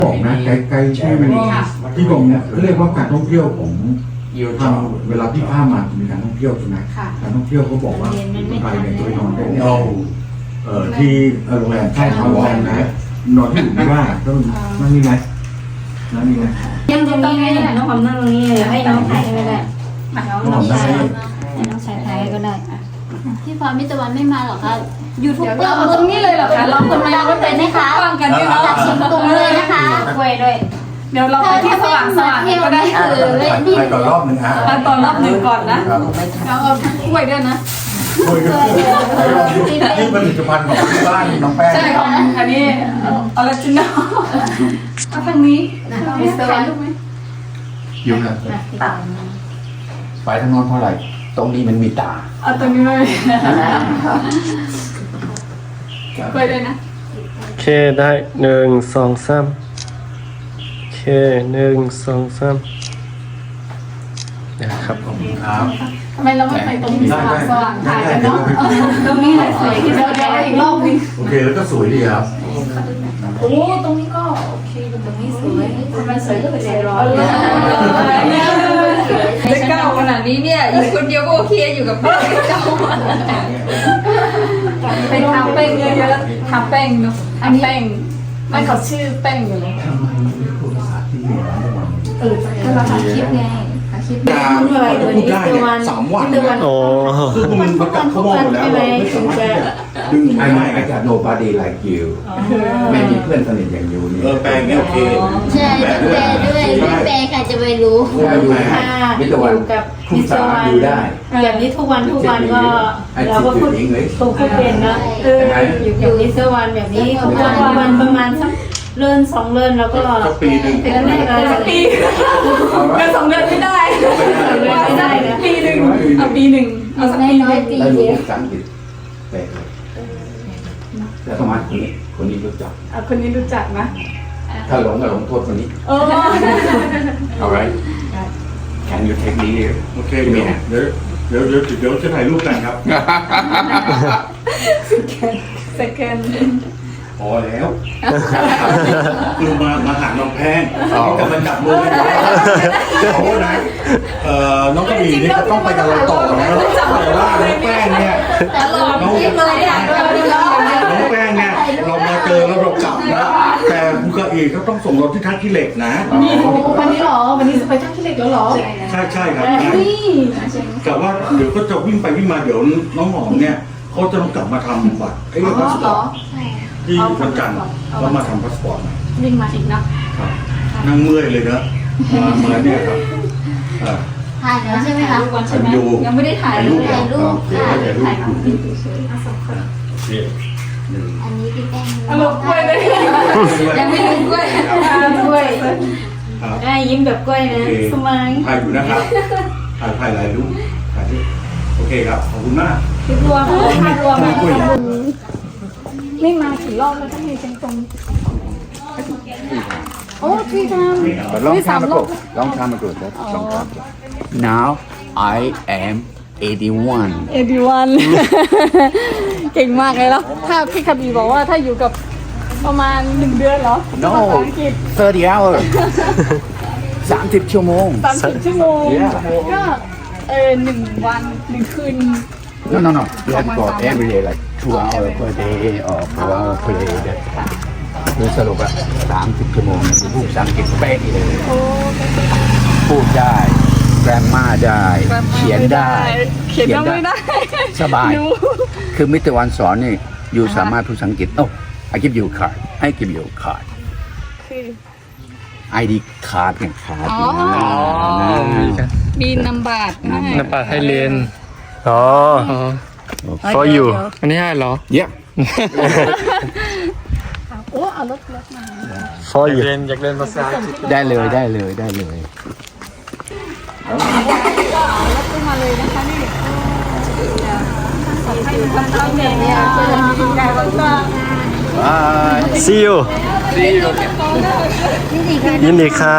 บอกนะไกลๆที่ผมเรียกว่าการท่องเที่ยวผมทางเวลาที่ข้ามมาจะมีการท่องเที่ยวใช่ไหมการท่องเที่ยวเขาบอกว่าคนไทยเนี่ยจะไปนอนได้ที่โรงแรมใช่โรงแรมนะนอนที่อื่นไม่ว่าต้องนั่นนี่ไงนั่นนี่ไงยังตรงนี้ไงน้องหอมนั่งตรงนี้เลยให้น้องถ่ายก็ได้น้องชายให้น้องชายถ่ายก็ได้พี่พรมิตรวันไม่มาหรอคะยูทูบเบอร์ตรงนี้เลยเหรอคะเราคนมาก็เป็นนะคะฟังกันด้วยเนาะจากเชียงตุงเลยนะคะกล้วยด้วยเดี๋ยวเราไปที่สว่างก็ได้ไปต่อรอบหนึ่งไปต่อรอบหนึ่งก่อนนะเราเอาทั้งกล้วยด้วยนะนี่ผลิตภัณฑ์ของที่บ้านน้องแป้งใช่ของอันนี้ออริจินอลเอาทางนี้มีสว่างไหมอยู่นะไปทางโน้นเพราะอะไรตรงนี้มันมีตาเอาตรงนี้เลยไปเลยนะโอเคได้1 2 3โอเค1 2 3นะครับขอบคุณครับทำไมเราไม่ไปตรงนี้สว่างถ่ายกันเนาะตรงนี้สวยที่เราได้อีกรอบนึงโอเคแล้วก็สวยดีครับโอ้ตรงนี้ก็โอเคตรงนี้สวยทำไมสวยก็เป็นใจร้อนจะเก้าขนาดนี้เนี่ยอยู่คนเดียวก็โอเคอยู่กับเพื่อนเก้าไปทำแป้งเยอะๆทำแป้งเนาะอันแป้งไม่เขาชื่อแป้งอยู่เลยทำไมไม่พูดภาษาที่เหนือก็เราทำคลิปไงคลิปพูดได้เนี่ย3 วันคือมันประกาศเขาบอกแล้วไม่สามารถดึงไม่อาจารย์ nobody like you ไม่มีเพื่อนสนิทอย่างยูนี่แปลงเงี้ยโอเคใช่แปลด้วยแปลใครจะไปรู้มิตรวันกับมิตรวันอยู่ได้อย่างนี้ทุกวันก็เราก็พูดเป็นนะอยู่มิตรวันแบบนี้ทุกวันประมาณสักเลื่อน2 เลื่อนแล้วก็ปีหนึ่งเป็นปีเดือน2 เดือนไม่ได้ไม่ได้นะปีหนึ่งเอาปีหนึ่งเอาสักปีน้อยปีแล้วรู้ภาษาอังกฤษแปลเลยแล้วสมัยคนนี้รู้จักคนนี้รู้จักนะถ้าหลงก็หลงโทษคนนี้เอาไร Can you take me here โอเคเดี๋ยวจะถ่ายรูปกันครับ second พอแล้วคือมาหาน้องแพงกับมันจับมือกันโอ้นะน้องกระบี่นี่ก็ต้องไปกับเราต่อนะแต่ว่าน้องแป้งเนี่ยน้องแป้งเนี่ยเรามาเจอแล้วเรากลับนะแต่คุณกระบี่ก็ต้องส่งเราที่ท่าขี้เหล็กนะวันนี้หรอวันนี้ไปท่าขี้เหล็กแล้วหรอใช่ครับแต่ว่าเดี๋ยวก็จะวิ่งไปวิ่งมาเดี๋ยวน้องหอมเนี่ยเขาจะต้องกลับมาทำบัตรไอ้เรื่องพาสปอร์ตที่วันจันทร์ก็มาทำพาสปอร์ตวิ่งมาอีกนะครับนั่งเมื่อยเลยนะมาเนี่ยครับถ่ายแล้วใช่ไหมคะยังไม่ได้ถ่ายเลยถ่ายรูปถ่ายรูปอันนี้พี่แป้งลงกล้วยเลยยังไม่ลงกล้วยได้ยิ้มแบบกล้วยนะสมัยถ่ายอยู่นะครับถ่ายหลายรูปถ่ายที่โอเคครับขอบคุณมากรวมไม่มากี่รอบแล้วทั้งในเชียงตุงโอ้ที่ทำลองทำมาก่อน Now I am 81 เก่งมากเลยแล้วถ้าพี่คบีบอกว่าถ้าอยู่กับประมาณ1 เดือนเหรอ No 30 hours 30 ชั่วโมงก็1 วัน 1 คืน No. You have to go every day, like 2 hours per day or 4 hours per day. คือสรุปอะ30 ชั่วโมงพูดภาษาอังกฤษเป๊ะเลยพูดได้แกรมมาได้เขียนได้สบายคือมิตรวันสอนนี่อยู่สามารถพูดภาษาอังกฤษI give you a card I give you a card ID card เนี่ยคาร์ดมีนำบัตรให้เรียนfor you อันนี้ให้เหรอ Yeah โอ้เอารถมา for you อยากเรียนภาษาได้เลยรถขึ้นมาเลยนะคะนี่ See you ยินดีค่ะ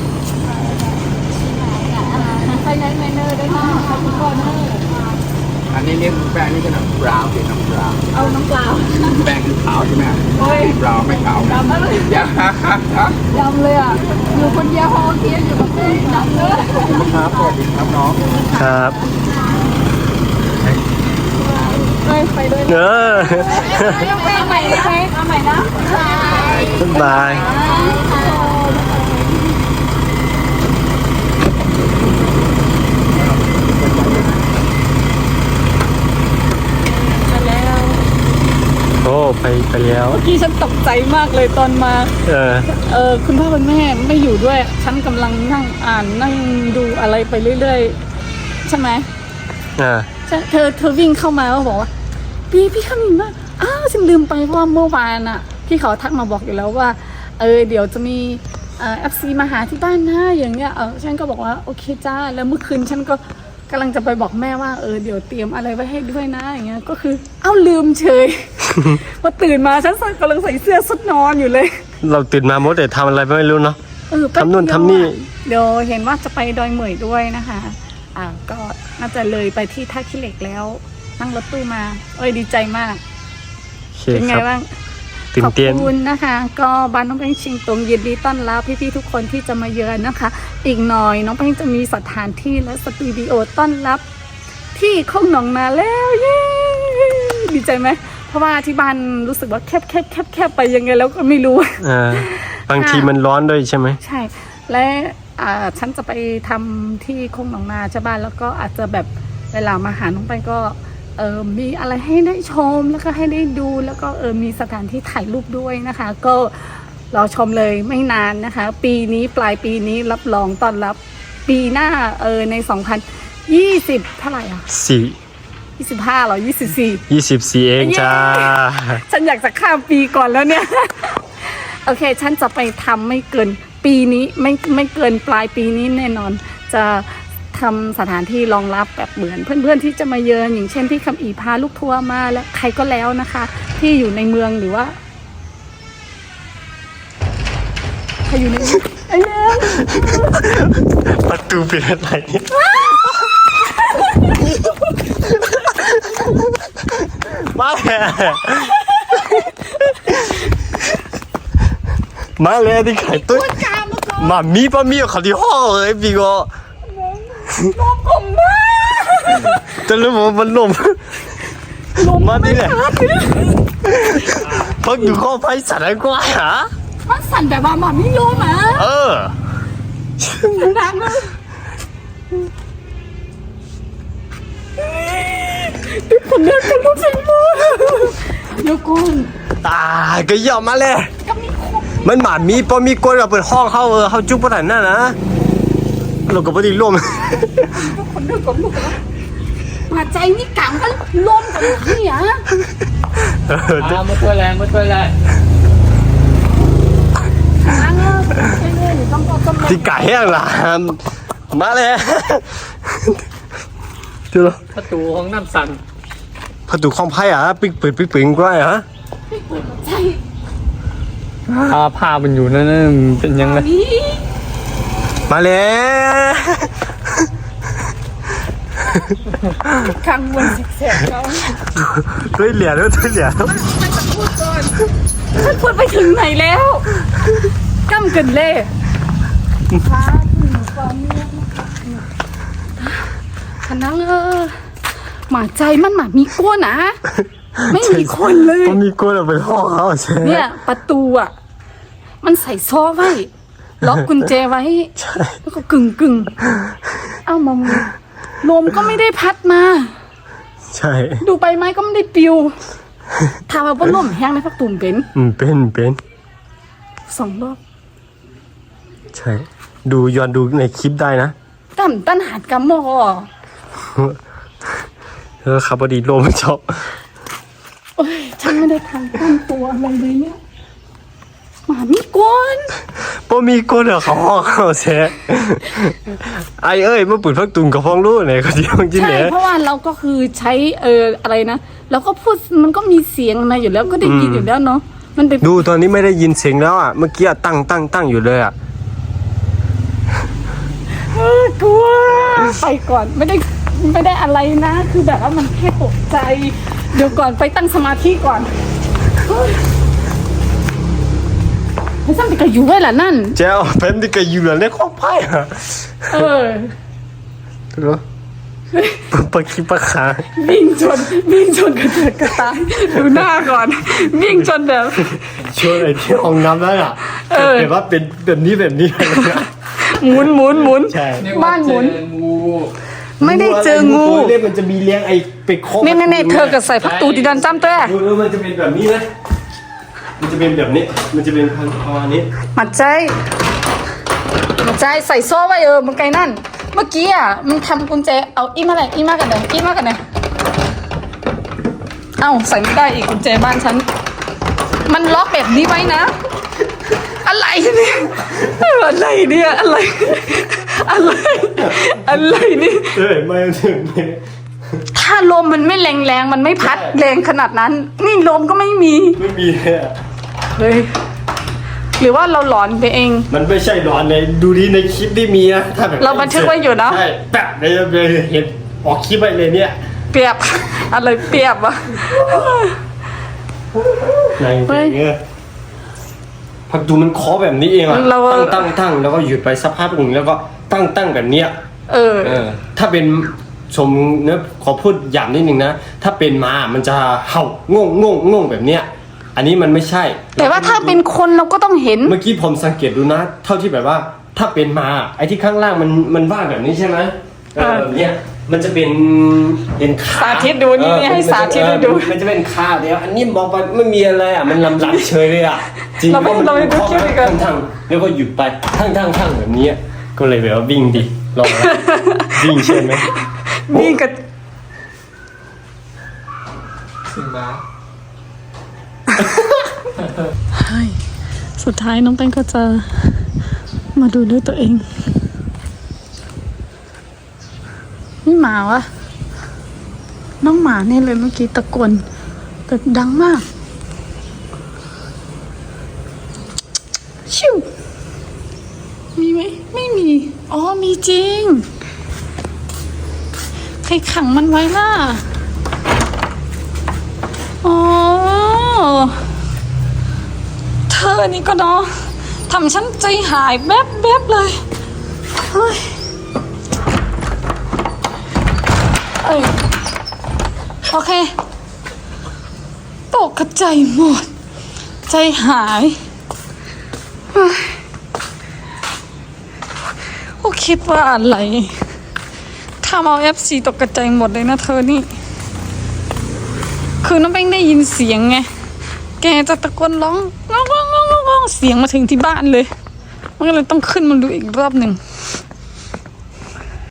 ไฟแนนซ์แมนเนอร์ได้มากค่ะทุกคนอันนี้เนี่ยแป้งนี่ก็น้ำบราวน์เป็นน้ำบราวน์เอาน้ำเปล่าแป้งคือขาวใช่ไหมโอ้ยบราวน์ไม่ขาวนะดำมากเลยอย่าดำเลยอ่ะอยู่คนเดียวพอเทียนอยู่กับเพื่อนดำเลยครับสวัสดีครับน้องครับไปด้วยเออเอาใหม่ได้ไหมเอาใหม่นะบ๊ายบายแล้วโอ้ไปแล้วเมื่อกี้ฉันตกใจมากเลยตอนมา คุณพ่อคุณแม่ไม่อยู่ด้วย ฉันกำลังนั่งอ่านนั่งดูอะไรไปเรื่อยๆใช่ไหม เธอวิ่งเข้ามาแล้วบอกว่าพี่ขมินว่าอ้าวฉันลืมไปเพราะว่าเมื่อวานอ่ะพี่เขาทักมาบอกอยู่แล้วว่าเดี๋ยวจะมีFC มาหาที่บ้านนะอย่างเงี้ยฉันก็บอกว่าโอเคจ้าแล้วเมื่อคืนฉันก็กำลังจะไปบอกแม่ว่าเดี๋ยวเตรียมอะไรไว้ให้ด้วยนะอย่างเงี้ยก็คือลืมเฉย พอตื่นมาฉันกำลังใส่เสื้อสุดนอนอยู่เลยเราตื่นมาโมแต่ทำอะไรไม่รู้เนาะแป๊บทำนู่นเดียวทำนี่เดี๋ยวเห็นว่าจะไปดอยเหมยด้วยนะคะก็น่าจะเลยไปที่ท่าขี้เหล็กแล้วนั่งรถตู้มาดีใจมากโอเคเป็นไงครับบ้างตื่นเต้นขอบคุณนะคะ ก็บ้านน้องแป้งชิงตรงยินดีต้อนรับพี่ๆทุกคนที่จะมาเยือนนะคะ อีกหน่อยน้องแป้งจะมีสถานที่และสตูดิโอต้อนรับที่โคกหนองนาแล้วเย้ดีใจไหมเพราะว่าที่บ้านรู้สึกว่าแคบไปยังไงแล้วก็ไม่รู้บางทีมันร้อนด้วยใช่ไหมใช่และฉันจะไปทำที่โคกหนองนาใช่บ้านแล้วก็อาจจะแบบเวลามาหาน้องไปก็มีอะไรให้ได้ชมแล้วก็ให้ได้ดูแล้วก็มีสถานที่ถ่ายรูปด้วยนะคะ ก็รอชมเลยไม่นานนะคะ ปีนี้ปลายปีนี้รับรองต้อนรับปีหน้าใน2020เท่าไหร่อ่ะ25หรอ24 24เองจ้าฉันอยากจะข้ามปีก่อนแล้วเนี่ย โอเคฉันจะไปทำไม่เกินปีนี้ไม่เกินปลายปีนี้แน่นอนจะทำสถานที่รองรับแบบเหมือนเพื่อนๆที่จะมาเยือนอย่างเช่นพี่คำอีพาลูกทัวร์มาแล้วใครก็แล้วนะคะ ที่อยู่ในเมืองหรือว่าใครอยู่ในเมืองไอ้เนี่ยประตูเป็นอะไรมาเลยที่ขายตุ้ยมามีปะมีเขาที่ห้องเลยพี่ก็ลมผมมากจะรู้ว่ามันลมมาที่ไหนพักอยู่ข้อไฟสั่นกว่าหรอมันสั่นแบบว่าหมาไม่ลมอ่ะดังเลยทุกคนเดินกันลุกใส่หมดเดี๋ยวก่อนก็ยอมมาเลยมันหมามีปะมีกวนเราเปิดห้องเขาจุ๊บปะไหนน่ะนะเราก็ไม่ได้ร่วมทุกคนเดินกับลูกแล้วมาใจนี่กังกันลมกันนี่อ่ะมาตัวแรงดังเลยต้องก็ต้องที่ไก่แห้งล่ะมาเลยเจอประตูห้องน้ำสั่นประตูห้องไพ่ปิ๊กเปิดปิ๊กปิงก็ได้ฮะใช่ผ้ามันอยู่นั่นเป็นยังไงนี่มาเลยข้างบนสิแสบเขาด้วยเหรียญด้วยเหรียญฉันพูดไปถึงไหนแล้วก้ำกันเล่ขนังหมาใจมันหมามีก้นนะไม่มีคนเลยมันมีกวนเราเป็นห้องเขาใช่เนี่ยประตูอ่ะมันใส่โซ่ไว้ล็อกกุญแจไว้แล้วก็กึ่งเอ้ามองลมก็ไม่ได้พัดมาใช่ดูใบไม้ก็ไม่ได้ปลิวถ้าว่าบ่ลมแห้งในพักตุ่มเป็นเป็น 2 รอบใช่ดูย้อนดูในคลิปได้นะตั้นหาดกำมอครับพอดีลมชอบโอ้ยฉันไม่ได้ทำตั้งตัวอะไรเลยเนี่ยหมามีก้นพอมีกวนเหรอเขาห้องเขาแช่ไอเอ้ยมาเปิดพักตุ่มกับห้องรู้ไหนเขาที่ห้องจิ้นใช่เนี่ยเพราะว่าเราก็คือใช้อะไรนะเราก็พูดมันก็มีเสียงมาอยู่แล้วก็ได้ยินอยู่แล้วเนาะมันเป็นดูตอนนี้ไม่ได้ยินเสียงแล้วเมื่อกี้ตั้งอยู่เลยกลัวไปก่อนไม่ได้ไม่ได้อะไรนะ คือแบบว่ามันแค่ตกใจ เดี๋ยวก่อนไปตั้งสมาธิก่อนไอ้ซ้ำไปกับอยู่ไว้ล่ะนั่นเจ้าเป็นที่ก็อยู่ในข้อไพ่อะเออเหรอปะคิปะขาวิ่งชนกระเจิดกระตายดูหน้าก่อน วิ่งชนแบบช่วยไอ้ที่ห้องน้ำนั่นอ่ะแต่ว่าเป็นแบบนี้อะไรนะหมุนใช่บ้านหมุนงูไม่ได้เจองูเล่มันจะมีเลี้ยงไอ้ไปเคาะนี่เธอกับใส่พักตูดีดันจ้ำเต้มันจะเป็นแบบนี้นะมันจะเป็นแบบนี้มันจะเป็นประมาณนี้มัดใจใส่โซ่ไว้มันไกลนั่น เมื่อกี้อ่ะมันทำกุญแจเอาอีมากันไหนเอ้าใส่ไม่ได้อีกกุญแจบ้านฉันมันล็อกแบบนี้ไว้นะ อะไรเนี่ยอะไรนี่ไม่ถึงถ้าลมมันไม่แรงมันไม่พัดแรงขนาดนั้น นี่ลมก็ไม่มีไม่มีเลยอะเฮ้ยหรือว่าเราหลอนไปเองมันไม่ใช่ร้อนในดูดีในคลิปที่มีนะถ้าแบบเราบันทึกไว้อยู่นะใช่แปะเลยเห็นออกคลิปไปเลยเนี่ยเปรียบ อะไรเปรียบวะในเงี้ยพักดูมันเคาะแบบนี้เองอะตั้งแล้วก็หยุดไปสักพักหนึ่งแล้วก็ตั้งแบบเนี้ยเออถ้าเป็นชมเนื้อขอพูดหยาบนิดนึงนะถ้าเป็นมามันจะเห่างงแบบเนี้ยอันนี้มันไม่ใช่แต่ว่าถ้าเป็นคนเราก็ต้องเห็นเมื่อกี้ผมสังเกตดูนะ เท่าที่แบบว่า ถ้าเป็นมาไอ้ที่ข้างล่างมันว่างแบบนี้ใช่ไหมแบบเนี้ยมันจะเป็นขาสาธิตดูนี่ให้สาธิตดูมันจะเป็นขาเดียวอันนี้มองไปไม่มีอะไรอ่ะมันลำเฉยเลยอ่ะจริงเราไปดูคลิปอีกก่อนทั้งแล้วก็หยุดไปทั้งแบบนี้ก็เลยแบบว่าวิ่งดิลองนะวิ่งใช่ไหมนี่กับซึ่งมาสุดท้ายน้องแป้งก็จะมาดูด้วยตัวเองนี่หมาวะน้องหมาเนี่ยเลยเมื่อกี้ตะโกนแต่ดังมากชิวมีไหมไม่มีอ๋อมีจริงใครขังมันไว้ล่ะอ๋อเธอนี่ก็เนาะทำฉันใจหายแบ๊บเลยเฮ้ยโอเคตกกระใจหมดใจหายก็คิดว่าอะไรทำเอา FC ตกกระใจหมดเลยนะเธอนี่คือน้องแป้งได้ยินเสียงไงแกจะตะโกนร้องเสียงมาถึงที่บ้านเลยมันก็เลยต้องขึ้นมาดูอีกรอบหนึ่ง